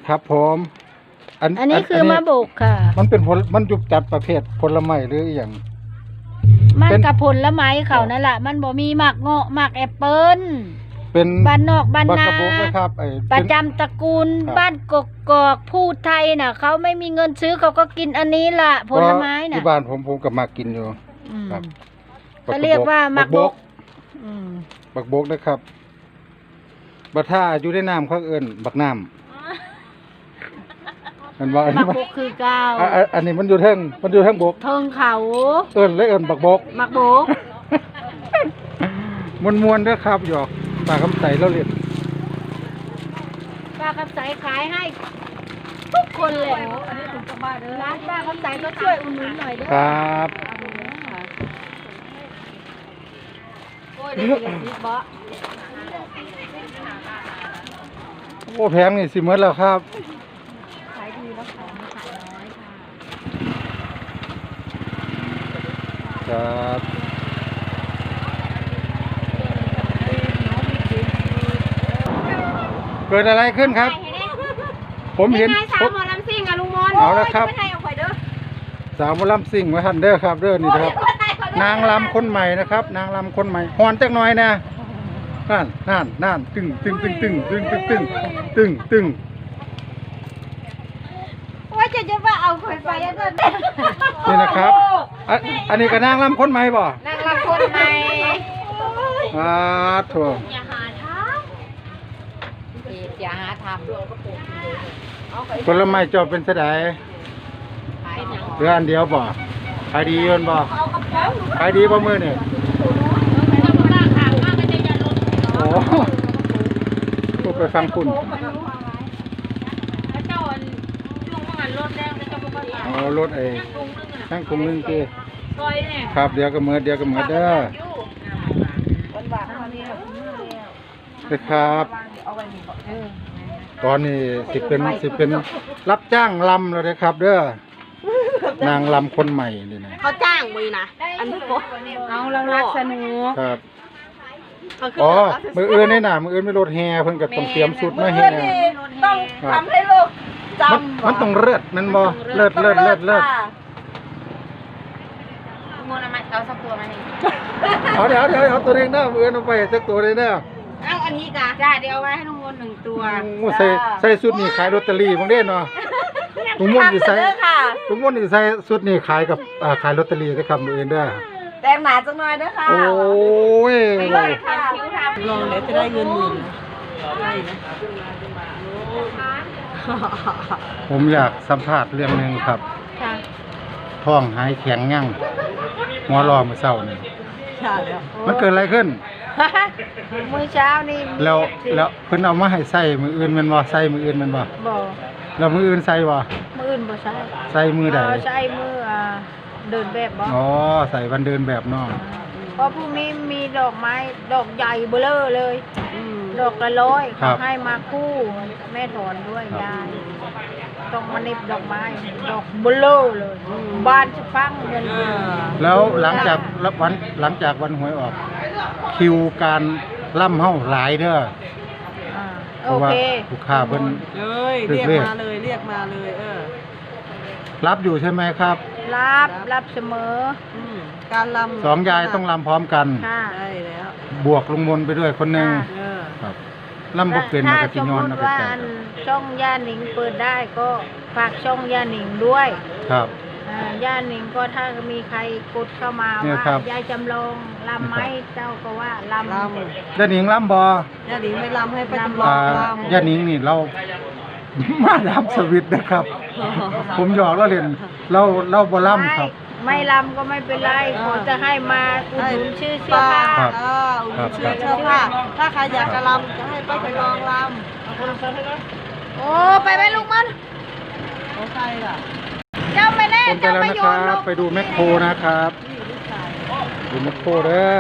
ครับผมอันนี้คือมะบกค่ะมันเป็นมันยุบจัดประเภทผลไม้หรืออย่างมันกับผลไม้เขานั่นแหละมันบ่มีหมากเงาะหมากแอปเปิ้ลเป็นบ้านนอกบ้านนาบักกะโบกนะครับประจำตระกูลบ้านกกอกผู้ไทยน่ะเขาไม่มีเงินซื้อเขาก็กินอันนี้ล่ะผลไม้น่ะที่บ้านผมก็มากินอยู่ครับเขาเรียกว่าหมากบกบักบกนะครับบักท่าอยู่ในน้ำเขาเอิ้นบักน้ำมันว่าหมากบกคือเก้าอันนี้มันอยู่เทิงบกเทิงเขาเอิ้นบักบกหมากบกมวนๆด้วยครับหยอกปากคำใสเราเรียนป้าคำใสขายให้ทุกคนเลยอันนี้ถึงจะมาเด้อร้านป้าคำใสก็ช่วยอุดหนุนหน่อยเด้อครับโอ้ยได้ยินบ่โอ้แพงนี่สิเมื่อแล้วครับขายดีแล้วของขายน้อยคค่ะรับเกิดอะไรขึ้นครับผมเห็นสาวหมอลำซิ่งอะลุงมนเอาละครับสาวหมอลำซิ่งมาทันเด้อครับเด้อนี่นะครับนางลำคนใหม่นะครับนางลำคนใหม่ฮอนจักหน่อยนะนั่นตึงว่าจะว่าเอาข่อยไปอันนั้นนี่นะครับอันนี้ก็นางลำคนใหม่บ่นางลำคนใหม่ถั่วอย่าหาทำผลไม้จบเป็นเสดายเดือนเดียวบ่ขายดียนบ่ขายดีบ่มือเนี่ยโอ้พูดไปฟังคุณรถไอ้ทั้งกรุงนึงคือครับเดี๋ยวก็เมื่อเด้อครับตอนนี้สิเป็นรับจ้างลำแล้วนะครับเด้อนางลำคนใหม่นี่นะเขาจ้างมือนะอันนี้เอาเรารักสนุกครับอ๋อมืออื่นนี่นะมืออื่นไม่รถแห่เพิ่นก็ต้องเตรียมสุดมาแห่ต้องทำให้ลูกจำมันต้องเลือดมันบ่เลือดโมนามาเอาสักตัวมาให้เดี๋ยวเอาตัวเองนะมืออื่นเอาไปสักตัวเลยนะเอาอันนี้จ้ะจ้าเดี๋ยวเอาไว้ให้ลุงมน1 ตัวใส่สุดนี่ขายลอตเตอรี่บางเด้เนาะลุงมนสิใส่สุดนี่ขายกับขายลอตเตอรี่นะครับมืออื่นเด้อแต่งหนาจังหน่อยเด้อค่ะโอ้ยลองเดี๋ยวจะได้เงิน10,000 ผมอยากสัมภาษณ์เรื่องนึงครับท้องหายแข็งยั่งหัวรอเมื่อเช้านี่มันเกิดอะไรขึ้นมื้อเช้านี่แล้วเพิ่นเอามาให้ใส่มืออื่นแม่นบ่ใส่มืออื่นแม่นบ่แล้วมืออื่นใส่บ่มืออื่นบ่ใส่มือใดใส่มือเดินแบบบ่อ๋อใส่วันเดินแบบเนาะเพราะพรุ่งนี้มีดอกไม้ดอกใหญ่เบ้อเร่อเลยดอกละ100เขาให้มาคู่แม่ถอนด้วยยายต้องมาเน็บดอกไม้ดอกเบ้อเร่อเลยบ้านจะฟังเงินแล้วหลังจากวันหวยออกคิวการล่ำเฮาหลายเด้อโอเคลูกค้าเพิ่นเรียกมาเลยรับอยู่ใช่ไหมครับรับเสมอการลำ 2ยายต้องลำพร้อมกันใช่แล้วบวกลุงมนไปด้วยคนนึงครับลำบ่เป็นมันก็สิย้อนเอาไปแต่ช่องย่าหนิงเปิดได้ก็ฝากช่องย่าหนิงด้วยครับย่าหนิงก็ถ้ามีใครกดเข้ามาว่ายายจำลองลำไหมเจ้าก็ว่าลำย่าหนิงลำบ่ย่าหนิงไม่ลำให้ป้าจำลองลำย่าหนิงนี่เรามาลำสวิตนะครับผมหยอกแล้วเล่นเราบ่ลำครับไม่ลำก็ไม่เป็นไรขอจะให้มาอุดหนุนชื่อเสื้อผ้าอุดหนุนชื่อเสื้อผ้าถ้าใครอยากจะลำจะให้ป้าไปลองลำโอ้ไปไหมลุงมันโอ้ใครล่ะเจ้าไม่แน่เจ้าไม่โยนลูกไปดูแมคโครนะครับดูแมคโครเด้อ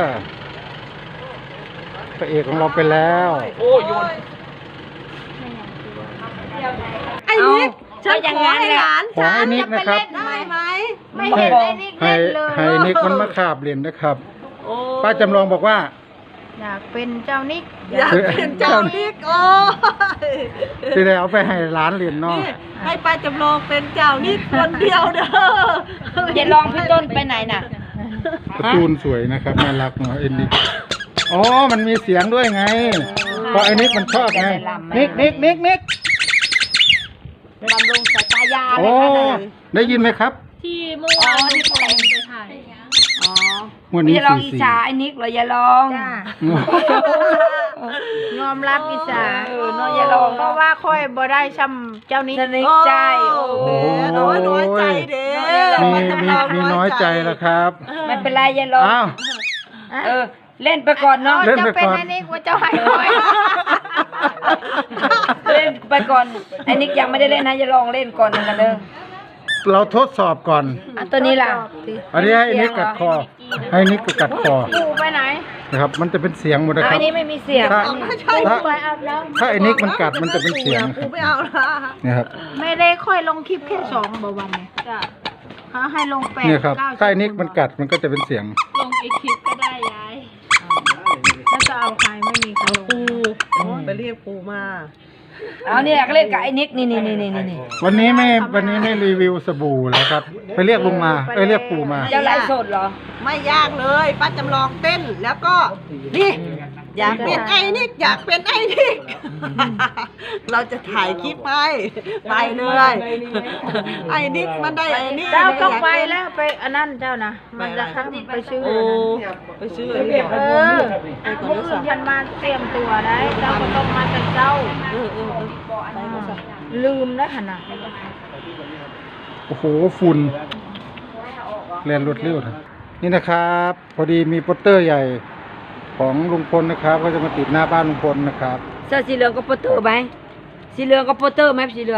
พระเอกของเราไปแล้วโอ้โยนไอ้นิกฉันขอให้หลานขอให้นิกนะครับได้ไหมไม่เห็นไอ้นิกเล่นเลยให้นิกมันมาขาบเล่นนะครับป้าจำลองบอกว่าอยากเป็นเจ้านิกอยากเป็นเจ้านิกโอ้ยที่ได้เอาไปให้ร้านเรียนเนาะนี่ให้ป้าจำลองเป็นเจ้านิกคนเดียวเด้ออย่าลองพี่ต้นไปไหนน่ะการ์ตูนสวยนะครับน่ารักเนาะเอ็นดิอ๋อมันมีเสียงด้วยไงเพราะไอ้นิกมันชอบไงนิกบำรุงสายตายาโอ้ได้ยินไหมครับที่เมื่อวานที่ผมไปถ่ายอ๋อวันนี้อย่าลองสี่อิจสี่ฉาไอ้นิกเหรออย่าลองจ้ายอมรับอิสาเนาะอย่าลองเพราะว่าค่อยบ่ได้ช้ำเจ้านิกสนิทใจโอ้โอ้น้อยใจเด้มีน้อยใจแล้วครับไม่เป็นไรอย่าลองอ้าวเล่นไปก่อนเนาะเล่นไปจะเป็นก่อนอันนี้ว่าเจ้าให้ค่อยเล่นไปก่อนไอ้นิกยังไม่ได้เล่นนะอย่าลองเล่นก่อนหนึ่งกันเด้อเราทดสอบก่อนอ่ะตัวนี้ล่ะอันนี้ให้นิกกัดคอ ให้นิกกัดคอปู่ไปไหนนะครับ มันจะเป็นเสียงหมดนะคอัรับนนี้ไม่มีเสียงถ้าไม่ใช่ถ้าไปอาบน้ถ้าไอ้นิกมันกัดมันจะเป็นเสียงกูไม่เอาละเนี่ยครับำไม่ได้ค่อยลงคลิปแค่2บ่วันเนี่ยจ้ะเขาให้ลง8 เนี่ยครับ 9 ถ้าไอ้นิกมันกัดมันก็จะเป็นเสียงลงอีกคลิปก็ได้ยายแล้วจะเอาใครไม่มีใครลงปูไปเรียกปูมาเอาเนี่ยก็เล่นกับไอ้นิกนี่วันนี้ไม่รีวิวสบู่แล้วครับ ไปเรียกลุงมาเรียกปู่มาเจ้าไลฟ์สดเหรอไม่ยากเลยป้าจำลองเต้นแล้วก็นี่อยากเป็นไอ้นิกอยากเป็นไอ้นิกเราจะถ่ายคลิปไปเลยไอ้นิกมันได้ไอ้นิกเจ้าต้องไปแล้วไปอันนั้นเจ้านะมันจะทำไปซื้อโอ้อันนั้นไปซื้อเออมืออื่นยันมาเตรียมตัวได้เจ้าก็ต้องมาแต่เจ้า ลืมแล้วขนาดโอ้โหฝุ่นเรียนรวดเร็วนะนี่นะครับ พอดีมีโปสเตอร์ใหญ่ของลุงพลนะครับ ก็จะมาติดหน้าบ้านลุงพลนะครับเสื้อสีเหลืองก็โปสเตอร์ไหมสีเหลืองก็โปสเตอร์ไหมสีเหลือง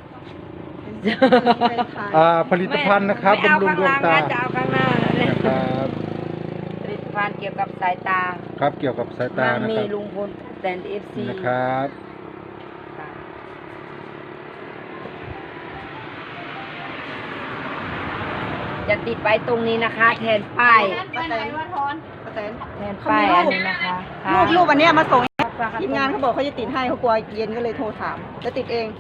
ผลิตภัณฑ์นะครับไม่เอาบำรุงข้างดวล่าง งตานะจะเอาข้างหน้าเลยนะครับผลิตภัณฑ์เกี่ยวกับสายตาครับเกี่ยวกับสายตานะมีครับลุงพลแตนเอฟซีนะครับจะติดไว้ตรงนี้นะคะ แทนป้ายไปไหนวะทอนป้าแตนแทนป้ายอันนี้นะคะรูปอันเนี้ยมาส่งทีมงานเขาบอกเขาจะติดให้เขากลัวเย็นก็เลยโทรถามจะติดเอง